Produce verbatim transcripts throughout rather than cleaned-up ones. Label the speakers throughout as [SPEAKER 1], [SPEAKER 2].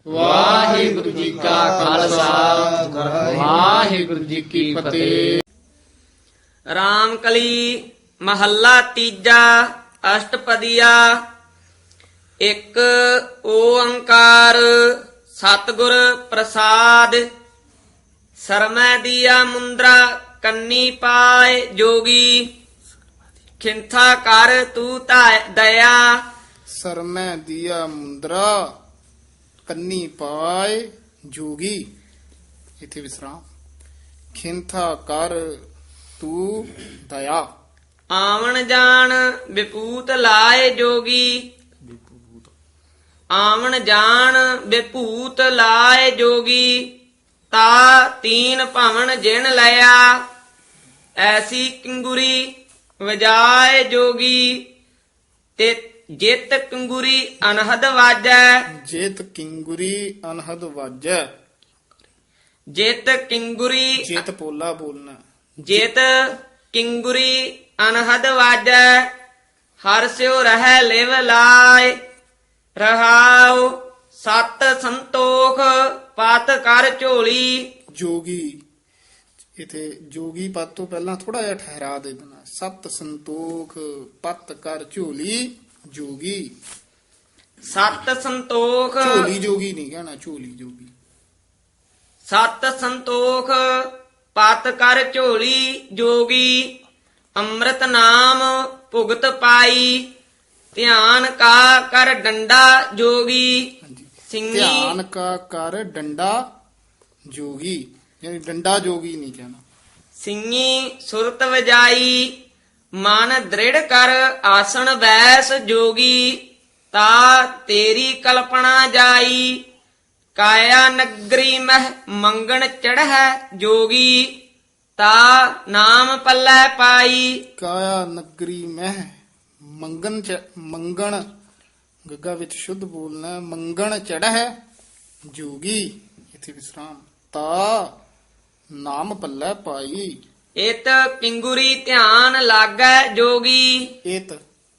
[SPEAKER 1] ਵਾਹਿਗੁਰੂ ਜੀ ਕਾ ਖਾਲਸਾ ਵਾਹਿਗੁਰੂ ਜੀ ਕੀ ਫਤਿਹ।
[SPEAKER 2] ਰਾਮਕਲੀ ਮਹੱਲਾ ਤੀਜਾ ਅਸ਼ਟਪਦੀਆ। ਇੱਕ ਓੰਕਾਰ ਸਤਿਗੁਰ ਪ੍ਰਸਾਦ। ਸਰਮੈ ਦੀਆ ਮੁੰਦਰਾ ਕੰਨੀ ਪਾਏ ਜੋਗੀ। ਖਿੰਥਾ ਕਰ ਤੂੰ ਧਾ- ਦਇਆ।
[SPEAKER 3] ਸਰਮੈ ਦੀਆ ਮੁੰਦਰਾ ਕੰਨੀ ਪਾਏ ਜੋਗੀ। ਇਥੇ ਵਿਸਰਾਮ। ਖਿੰਥਾ ਕਰ ਤੂੰ ਦਇਆ।
[SPEAKER 2] ਆਵਣ ਜਾਣ ਵਿਪੂਤ ਲਾਏ ਜੋਗੀ। ਆਵਣ ਜਾਣ ਵਿਪੂਤ ਲਾਏ ਜੋਗੀ। ਤਾ ਤੀਨ ਭਵਨ ਜਿਣ ਲਿਆ। ਐਸੀ ਕਿੰਗੁਰੀ ਵਜਾਏ ਜੋਗੀ। ਤੇ ਜਿਤ ਕਿੰਗੁਰੀ ਅਨਹਦ ਵਾਜੈ।
[SPEAKER 3] ਜੇਤ ਕਿੰਗੁਰੀ ਅਨਹਦ ਵਾਜੈ।
[SPEAKER 2] ਜਿਤ ਕਿੰਗੁਰੀ
[SPEAKER 3] ਜੇਤ ਪੋਲਾ ਬੋਲਣਾ।
[SPEAKER 2] ਜਿਤ ਕਿੰਗੁਰੀ ਅਨਹਦ ਵਾਜੈ। ਹਰ ਸਿਉ ਰਹਿ ਲਿਵ ਲਾਇ। ਰਹਾਉ ਸਤ ਸੰਤੋਖ ਪਤ ਕਰ ਝੋਲੀ।
[SPEAKER 3] ਜੋਗੀ ਇਥੇ ਜੋਗੀ ਪਦ ਤੋਂ ਪਹਿਲਾਂ ਥੋੜਾ ਜਿਹਾ ਠਹਿਰਾ ਦੇ ਦੇਣਾ। ਸਤ ਸੰਤੋਖ ਪਤ ਕਰ ਝੋਲੀ ਜੋਗੀ।
[SPEAKER 2] ਸਤ ਸੰਤੋਖ
[SPEAKER 3] ਝੋਲੀ ਜੋਗੀ ਨਹੀਂ ਕਹਿਣਾ, ਝੋਲੀ ਜੋਗੀ।
[SPEAKER 2] ਸਤ ਸੰਤੋਖ ਪਤ ਕਰ ਝੋਲੀ ਜੋਗੀ। ਅੰਮ੍ਰਿਤ ਨਾਮ ਭੁਗਤ ਪਾਈ। ਧਿਆਨ ਕਾ ਕਰ ਡੰਡਾ ਜੋਗੀ।
[SPEAKER 3] ਹਾਂਜੀ।
[SPEAKER 2] ਸਿੰਘੀ
[SPEAKER 3] ਧਿਆਨ ਕਾ ਕਰ ਡੰਡਾ ਜੋਗੀ, ਯਾਨੀ ਡੰਡਾ ਜੋਗੀ ਨਹੀਂ ਕਹਿਣਾ।
[SPEAKER 2] ਸਿੰਘੀ ਸੁਰਤ ਵਜਾਈ। ਮਨ ਦ੍ਰਿੜ ਕਰ ਆਸਣ ਬੈਸ ਜੋਗੀ। ਤਾ ਤੇਰੀ ਕਲਪਨਾ ਜਾਈ। ਕਾਇਆ ਨਗਰੀ ਮਹਿ ਮੰਗਣ ਚੜ੍ਹੈ ਜੋਗੀ। ਤਾ ਨਾਮ ਪੱਲੇ ਪਾਈ।
[SPEAKER 3] ਕਾਇਆ ਨਗਰੀ ਮਹਿ ਮੰਗਣ ਚ ਮੰਗਣ ਗੱਗਾ ਵਿੱਚ ਸ਼ੁੱਧ ਬੋਲਣਾ। ਮੰਗਣ ਚੜ੍ਹੈ ਜੋਗੀ। ਇਥੇ ਵਿਸਰਾਮ। ਤਾ ਨਾਮ ਪੱਲੇ ਪਾਈ।
[SPEAKER 2] ਇਤ ਕਿੰਗੁਰੀ ਧਿਆਨ ਲਾਗੈ ਜੋਗੀ।
[SPEAKER 3] ਇਤ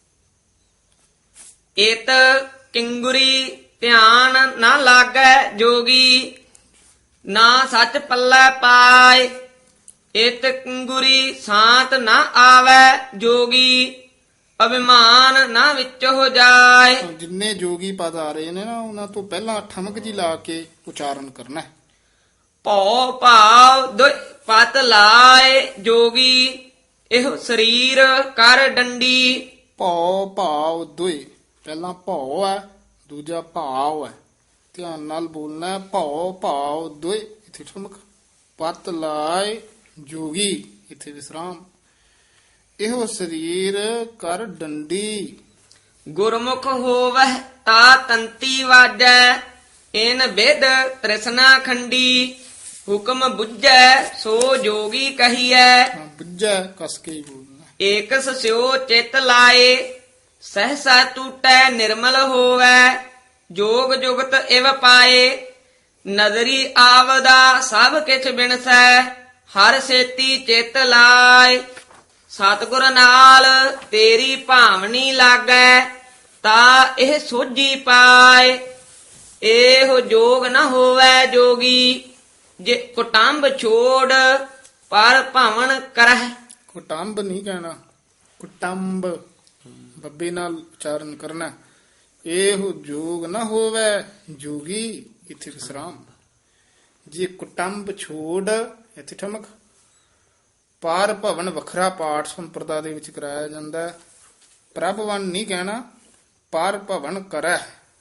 [SPEAKER 2] ਇਤ ਕਿੰਗੁਰੀ ਧਿਆਨ ਨਾ ਲਾਗੈ ਜੋਗੀ। ਨਾ ਸੱਚ ਪੱਲੇ ਪਾਏ। ਇਤ ਕਿੰਗੁਰੀ ਸਾਤ ਨਾ ਆਵੈ ਜੋਗੀ। ਅਭਿਮਾਨ ਨਾ ਵਿੱਚ ਹੋ ਜਾਏ।
[SPEAKER 3] ਜਿੰਨੇ ਜੋਗੀ ਪਦ ਆ ਰਹੇ ਨੇ ਨਾ, ਉਹਨਾਂ ਤੋਂ ਪਹਿਲਾਂ ਠਮਕ ਜੀ ਲਾ ਕੇ ਉਚਾਰਨ ਕਰਨਾ ਹੈ।
[SPEAKER 2] ਭਉ ਭਾਵ ਦੁਇ ਪਤ ਲਾਏ ਜੋਗੀ। ਇਹੋ ਸਰੀਰ ਕਰ ਡੰਡੀ।
[SPEAKER 3] ਭਉ ਭਾਵ ਦੁਇ। ਪਹਿਲਾਂ ਭਉ ਹੈ, ਦੂਜਾ ਭਾਵ ਹੈ। ਧਿਆਨ ਨਾਲ ਬੋਲਣਾ। ਭਉ ਭਾਵ ਦੁਇ ਇਥੇ ਠਮਕ। ਪਤ ਲਾਏ ਜੋਗੀ ਇਥੇ ਵਿਸਰਾਮ। ਇਹੋ ਸਰੀਰ ਕਰ ਡੰਡੀ।
[SPEAKER 2] ਗੁਰਮੁਖ ਹੋਵਹਿ ਤਾ ਤੰਤੀ ਵਾਜੈ। ਇਨ ਬਿਦ ਤ੍ਰਿਸ਼ਨਾ ਖੰਡੀ। ਹੁਕਮ ਬੁੱਝੈ ਸੋ ਜੋਗੀ ਕਹੀਐ।
[SPEAKER 3] ਹਾਂ, ਬੁੱਝੈ ਕਸ ਕੇ ਹੀ ਬੋਲਣਾ।
[SPEAKER 2] ਏਕਸ ਸਿਓ ਚਿਤ ਲਾਏ। ਸਹਸਾ ਟੂਟੈ ਨਿਰਮਲ ਹੋਵੈ। ਜੋਗ ਜੁਗਤ ਇਵ ਪਾਏ। ਨਦਰੀ ਆਵਦਾ ਸਭ ਕਿਛ ਬਿਨਸੈ। ਹਰ ਸੇਤੀ ਚਿਤ ਲਾਏ। ਸਤਿਗੁਰ ਨਾਲ ਤੇਰੀ ਭਾਵਨੀ ਲਾਗੈ। ਤਾ ਇਹ ਸੋਝੀ ਪਾਏ। ਇਹੋ ਜੋਗ ਨ ਹੋਵੈ ਜੋਗੀ। ਜੇ ਕੁਟੰਬ ਛੋੜ ਪਰ ਭਾਵਨ ਕਰਹਿ।
[SPEAKER 3] ਕੁਟੰਬ ਨਹੀਂ ਕਹਿਣਾ, ਕੁਟੰਬ ਬੱਬੇ ਨਾਲ ਉਚਾਰਨ ਕਰਨਾ। ਇਹੋ ਜੋਗ ਨਾ ਹੋਵੇ ਜੋਗੀ ਇਥੇ ਵਿਸਰਾਮ। ਜੇ ਕੁਟੰਬ ਛੋੜ ਇਥੇ ਠਮਕ। ਪਾਰ ਭਵਨ ਵੱਖਰਾ ਪਾਠ ਸੰਪਰਦਾ ਦੇ ਵਿੱਚ ਕਰਾਇਆ ਜਾਂਦਾ ਹੈ। ਪ੍ਰਭਵਨ ਨਹੀਂ ਕਹਿਣਾ, ਪਾਰ ਭਵਨ ਕਰੈ।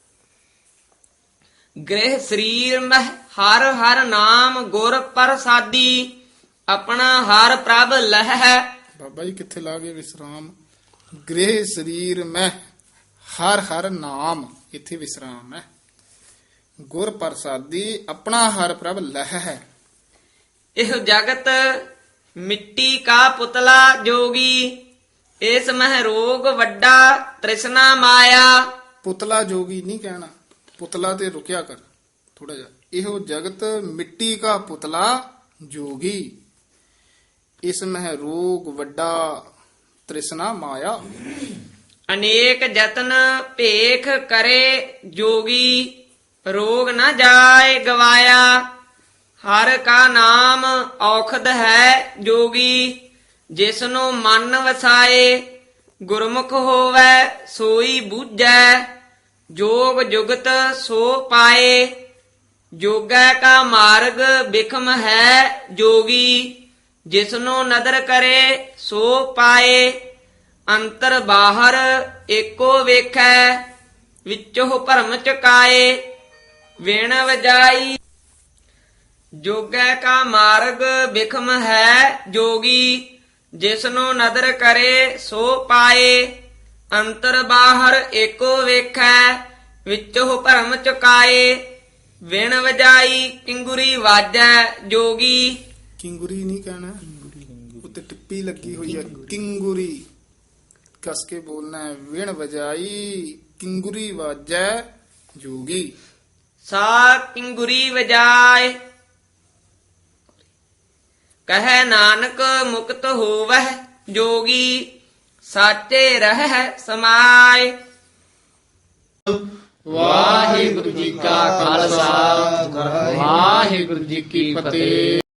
[SPEAKER 2] ਗ੍ਰਹਿ ਸਰੀਰ ਮਹਿ ਹਰ ਹਰ ਨਾਮ ਗੁਰ ਪ੍ਰਸਾਦੀ। ਆਪਣਾ ਹਰ ਪ੍ਰਭ ਲਹਿ।
[SPEAKER 3] ਬਾਬਾ ਜੀ ਕਿੱਥੇ ਲਾ ਗਏ ਵਿਸਰਾਮ। ਗ੍ਰਹਿ ਸਰੀਰ ਮੈਂ ਹਰ ਹਰ ਨਾਮ ਇਥੇ ਵਿਸਰਾਮ ਹੈ। ਗੁਰ ਪ੍ਰਸਾਦੀ ਆਪਣਾ ਹਰ ਪ੍ਰਭ ਲਹਿ ਹੈ।
[SPEAKER 2] ਇਹ ਜਗਤ ਮਿੱਟੀ ਕਾ ਪੁਤਲਾ ਜੋਗੀ। ਇਸ ਮਹਿ ਰੋਗ ਵੱਡਾ ਤ੍ਰਿਸ਼ਨਾ ਮਾਇਆ।
[SPEAKER 3] ਪੁਤਲਾ ਜੋਗੀ ਨਹੀਂ ਕਹਿਣਾ, ਪੁਤਲਾ ਤੇ ਰੁਕਿਆ ਕਰ ਥੋੜਾ ਜਿਹਾ। ਇਹੋ ਜਗਤ ਮਿੱਟੀ ਕਾ ਪੁਤਲਾ ਜੋਗੀ। ਇਸ ਮਹਿ ਰੋਗ ਵੱਡਾ ਤ੍ਰਿਸ਼ਨਾ ਮਾਇਆ।
[SPEAKER 2] ਅਨੇਕ ਯਤਨ ਭੇਖ ਕਰੇ ਜੋਗੀ। ਰੋਗ ਨਾ ਜਾਏ ਗਵਾਇਆ। ਹਰ ਕਾ ਨਾਮ ਔਖਦ ਹੈ ਜੋਗੀ, ਜਿਸਨੂੰ ਮਨ ਵਸਾਏ। ਗੁਰਮੁਖ ਹੋਵੇ ਸੋਈ ਬੂਝੈ, ਜੋਗ ਜੁਗਤ ਸੋ ਪਾਏ। ਜੋਗੈ ਕਾ ਮਾਰਗ ਬਿਖਮ ਹੈ ਜੋਗੀ, ਜਿਸਨੂੰ ਨਦਰ ਕਰੇ ਸੋ ਪਾਏ। ਅੰਤਰ ਬਾਹਰ ਏਕੋ ਵੇਖੈ, ਵਿੱਚੋਂ ਭਰਮ ਚੁਕਾਏ। ਵਿਣ ਵਜਾਈ ਜੋਗੈ ਕਾ ਮਾਰਗ ਬਿਖਮ ਹੈ ਜੋਗੀ, ਜਿਸਨੂੰ ਨਦਰ ਕਰੇ ਸੋ ਪਾਏ। ਅੰਤਰ ਬਾਹਰ ਏਕੋ ਵੇਖੈ, ਵਿੱਚੋਂ ਭਰਮ ਚੁਕਾਏ। ਵਿਣ ਵਜਾਈ ਕਿੰਗੁਰੀ ਵਾਜੈ ਜੋਗੀ।
[SPEAKER 3] ਕਿੰਗੁਰੀ ਨਹੀਂ ਕਹਿਣਾ, ਉੱਤੇ ਟਿੱਪੀ ਲੱਗੀ ਹੋਈ ਹੈ, ਕਿੰਗੁਰੀ ਕਸ ਕੇ ਬੋਲਣਾ ਹੈ। ਵਿਣ ਵਜਾਈ ਕਿੰਗੁਰੀ ਵਾਜੈ ਜੋਗੀ।
[SPEAKER 2] ਸਾ ਕਿੰਗੁਰੀ ਵਜਾਏ, ਕਹੈ ਨਾਨਕ ਮੁਕਤ ਹੋਵਹਿ ਜੋਗੀ। ਸਾਚੇ ਰਹਿ ਸਮਾਏ।
[SPEAKER 1] ਵਾਹਿਗੁਰੂ ਜੀ ਕਾ ਖਾਲਸਾ ਵਾਹਿਗੁਰੂ ਜੀ ਕੀ ਫਤਿਹ।